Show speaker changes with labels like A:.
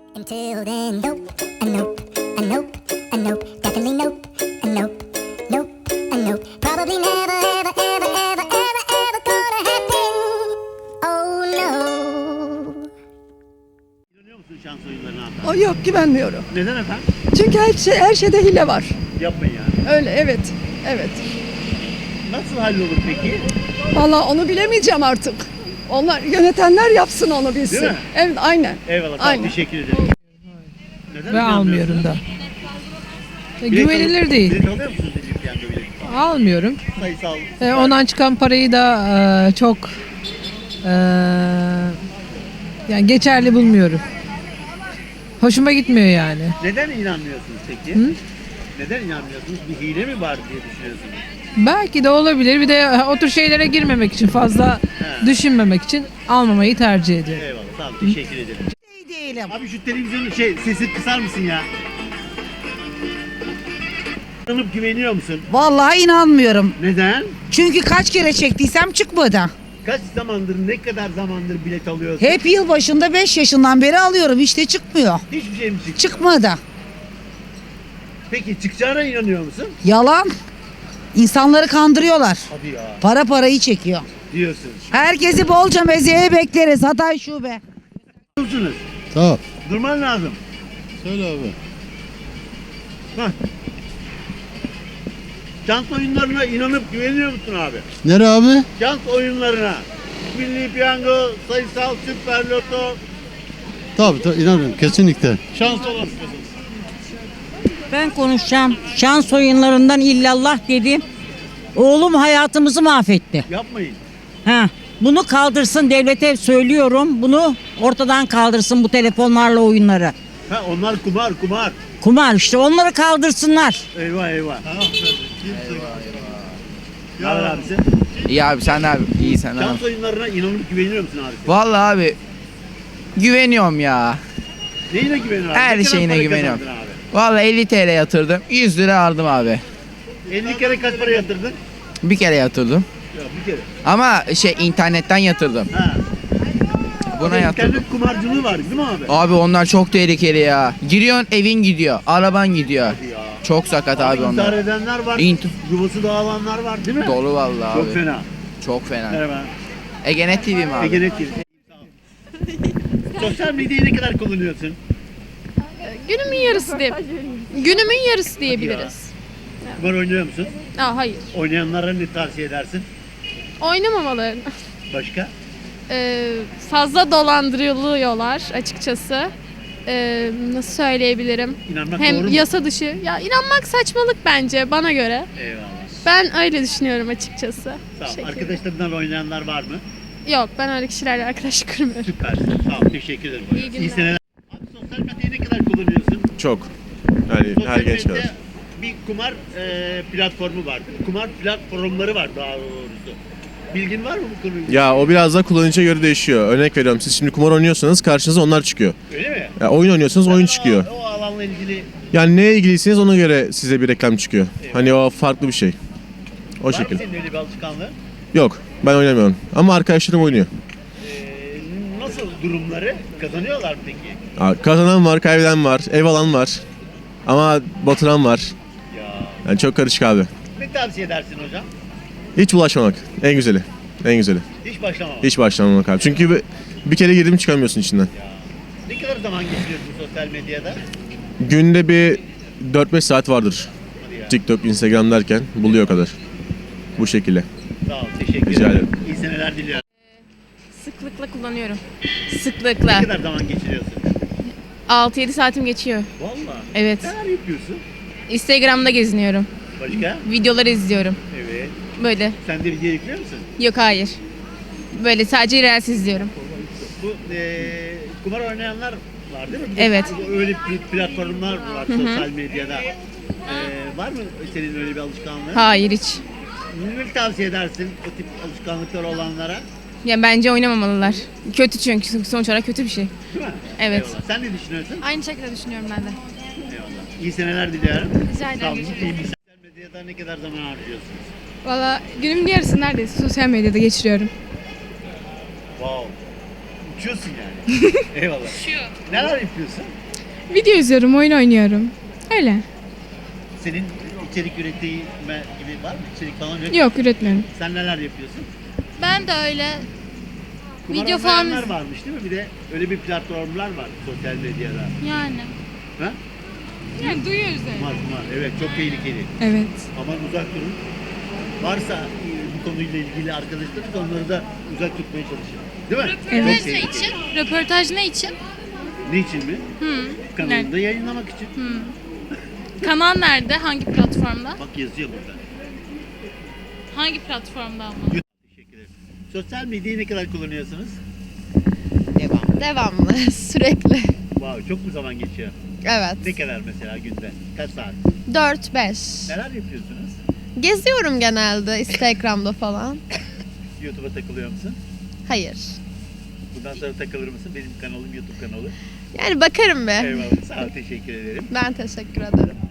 A: Until then, nope, a nope, a nope, a nope, definitely nope, a nope, nope, a nope. Probably never, ever, ever, ever, ever, ever gonna happen. Oh no.
B: İnanıyor musun şans oyunlarına?
C: O yok, güvenmiyorum.
B: Neden efendim?
C: Çünkü her şeyde hile var.
B: Yapmayın ya.
C: Öyle, evet. Evet.
B: Nasıl hallolur peki?
C: Vallahi onu bilemeyeceğim artık. Onlar yönetenler yapsın, onu bilsin.
B: Değil mi?
C: Evet, aynen.
B: Eyvallah. Tamam,
C: Aynen.
B: teşekkür ederim. Neden
D: Ve almıyorum da. Güvenilir değil.
B: Bilet alıyor musunuz Recep Piyango bileti?
D: Almıyorum.
B: Sayısal.
D: Ondan çıkan parayı da çok yani geçerli bulmuyorum. Hoşuma gitmiyor yani.
B: Neden inanmıyorsunuz peki?
D: Hı?
B: Neden inanmıyorsunuz? Bir hile mi var diye düşünüyorsunuz?
D: Belki de olabilir. Bir de o tür şeylere girmemek için, fazla düşünmemek için almamayı tercih ediyorum.
B: Eyvallah. Tamam, teşekkür ederim.
E: Değilim.
B: Abi şu televizyonun sesi kısar mısın ya? İnanıp güveniyor musun?
E: Vallahi inanmıyorum.
B: Neden?
E: Çünkü kaç kere çektiysem çıkmadı.
B: Kaç zamandır, ne kadar zamandır bilet alıyorsun?
E: Hep yılbaşında 5 yaşından beri alıyorum, işte çıkmıyor.
B: Hiçbir şey mi çıktı?
E: Çıkmadı.
B: Peki çıkacağına inanıyor musun?
E: Yalan. İnsanları kandırıyorlar.
B: Hadi ya.
E: Para parayı çekiyor.
B: Diyorsun.
E: Herkesi bolca mezeye bekleriz. Hatay şube.
B: Dursunuz.
F: Tamam.
B: Durman lazım.
F: Söyle abi.
B: Hah. Şans oyunlarına inanıp güveniyor musun abi?
F: Nere abi?
B: Şans oyunlarına. Milli Piyango, sayısal, süper loto.
F: Tabii inanıyorum kesinlikle.
B: Şans olan.
G: Ben konuşacağım. Şans oyunlarından illallah dedim. Oğlum hayatımızı mahvetti.
B: Yapmayın.
G: Ha, bunu kaldırsın, devlete söylüyorum. Bunu ortadan kaldırsın, bu telefonlarla oyunları.
B: Ha, onlar kumar.
G: Kumar işte, onları kaldırsınlar.
B: Eyvah eyvah. Ne haber abisi?
H: İyi abi, sen abi iyi sen abi.
B: Şans oyunlarına inanıp güveniyor musun abi?
H: Vallahi abi güveniyorum ya.
B: Neyine güveniyorsun abi?
H: Her
B: Ne kadar
H: şeyine
B: para
H: güveniyorum.
B: kazandın abi?
H: Vallahi 50 TL yatırdım. 100 lira aldım abi.
B: 50 kere kaç para yatırdın?
H: Bir kere yatırdım.
B: Ya bir kere.
H: Ama internetten yatırdım.
B: Ha.
H: Buna yatırdım.
B: İnternet kumarcılığı var değil mi abi?
H: Abi onlar çok tehlikeli ya. Giriyorsun, evin gidiyor, araban gidiyor.
B: Ya.
H: Çok sakat abi
B: İntihar
H: onlar.
B: edenler var. Yuvası dağılanlar var değil mi?
H: Dolu vallahi
B: Çok
H: abi.
B: fena.
H: Çok fena.
B: Merhaba.
H: Egenet TV mi abi?
B: Egenet TV. Sosyal medyayı ne kadar kullanıyorsun?
I: Günümün yarısı diyebiliriz.
B: Kumar oynuyor musun?
I: Hayır.
B: Oynayanlara ne tavsiye edersin?
I: Oynamamalarını.
B: Başka?
I: Fazla dolandırılıyorlar açıkçası. Nasıl söyleyebilirim?
B: İnanmak
I: Hem
B: doğru mu?
I: yasa dışı. Ya inanmak saçmalık bence bana göre.
B: Eyvallah.
I: Ben öyle düşünüyorum açıkçası.
B: Tamam.
I: Bu şekilde.
B: Arkadaşlarından oynayanlar var mı?
I: Yok, ben öyle kişilerle arkadaşlık kurmuyorum.
B: Süpersin. Tamam. Teşekkür ederim.
I: İyi günler.
B: İyi seneler. Abi sosyal medyayı ne kadar kullanıyorsun?
J: Çok. Yani
B: Sosyal
J: her genç
B: medyada
J: kadar.
B: bir kumar platformu var. Kumar platformları var daha doğrusu. Bilgin var mı bu konuyla?
J: Ya o biraz da kullanıcıya göre değişiyor. Örnek veriyorum, siz şimdi kumar oynuyorsanız karşınıza onlar çıkıyor.
B: Öyle mi?
J: Ya oyun oynuyorsanız oyun çıkıyor.
B: O alanla ilgili
J: Yani neye ilgiliyseniz ona göre size bir reklam çıkıyor. Hani o farklı bir şey. O
B: var mı
J: şekilde.
B: senin öyle bir alışkanlığın?
J: Yok, ben oynamıyorum. Ama arkadaşlarım oynuyor.
B: Nasıl durumları? Kazanıyorlar mı peki?
J: Ya, kazanan var, kaybeden var, ev alan var. Ama batıran var.
B: Ya.
J: Yani çok karışık abi.
B: Ne tavsiye edersin hocam?
J: Hiç bulaşmamak. En güzeli. En güzeli.
B: Hiç başlamamak.
J: Hiç başlamamak abi. Çünkü bir kere girdim çıkamıyorsun içinden.
B: Ne kadar zaman geçiriyorsun sosyal medyada?
J: Günde bir 4-5 saat vardır.
B: Hadi ya.
J: TikTok, Instagram derken buluyor o kadar. Bu şekilde.
B: Sağ ol. Teşekkür
J: Rica
B: ederim.
J: ederim.
B: İyi seneler diliyorum.
I: Sıklıkla kullanıyorum.
B: Ne
I: Sıklıkla.
B: kadar zaman geçiriyorsun?
I: 6-7 saatim geçiyor.
B: Vallahi.
I: Evet.
B: Neler yapıyorsun?
I: Instagram'da geziniyorum.
B: Başka?
I: Videoları izliyorum.
B: Evet.
I: Böyle.
B: Sen de video yüklüyor musun?
I: Yok, hayır. Böyle sadece reels izliyorum.
B: Bu kumar oynayanlar var değil mi?
I: Evet.
B: Öyle platformlar var sosyal medyada. Var mı senin öyle bir alışkanlığın?
I: Hayır, hiç.
B: Ne tavsiye edersin o tip alışkanlıkları olanlara?
I: Ya bence oynamamalılar. Kötü, çünkü sonuç olarak kötü bir şey.
B: Değil mi?
I: Evet.
B: Eyvallah. Sen ne düşünüyorsun?
I: Aynı şekilde düşünüyorum ben de.
B: Eyvallah. İyi seneler diliyorum.
I: Rica ederim.
B: Sağ olun. İyi bir sosyal medyada ne kadar zaman harcıyorsunuz?
I: Valla günümün yarısı neredeyse sosyal medyada geçiriyorum.
B: Wow. Uçuyorsun yani. Eyvallah. Neler yapıyorsun?
I: Video izliyorum, oyun oynuyorum. Öyle.
B: Senin içerik üretme gibi var mı? İçerik falan yok.
I: Yok, üretmiyorum.
B: Sen neler yapıyorsun?
K: Ben de öyle.
B: Kumar
K: Video falan
B: oynayanlar varmış değil mi? Bir de öyle bir platformlar var sosyal medyada.
K: yani.
B: Ha?
I: Yani duyuyoruz
B: Kumar. Evet, çok tehlikeli.
I: Evet.
B: Aman uzak durun. Varsa bu konuyla ilgili arkadaşlarınız onları da uzak tutmaya çalışın. Değil mi?
I: Evet.
B: Çok tehlikeli.
K: Röportaj ne için?
B: Ne için mi? Kanalında yayınlamak için.
K: Kanal nerede? Hangi platformda?
B: Bak yazıyor burada.
K: Hangi platformda ama?
B: Teşekkür ederim. Sosyal medyayı ne kadar kullanıyorsunuz?
I: Devamlı, sürekli.
B: Wow, çok mu zaman geçiyor?
I: Evet.
B: Ne kadar mesela günde? Kaç saat?
I: 4-5.
B: Neler yapıyorsunuz?
I: Geziyorum genelde Instagram'da falan.
B: YouTube'a takılıyor musun?
I: Hayır.
B: Bundan sonra takılır mısın? Benim kanalım YouTube kanalı.
I: Yani bakarım be.
B: Eyvallah. Sağ ol, teşekkür ederim.
I: Ben teşekkür ederim.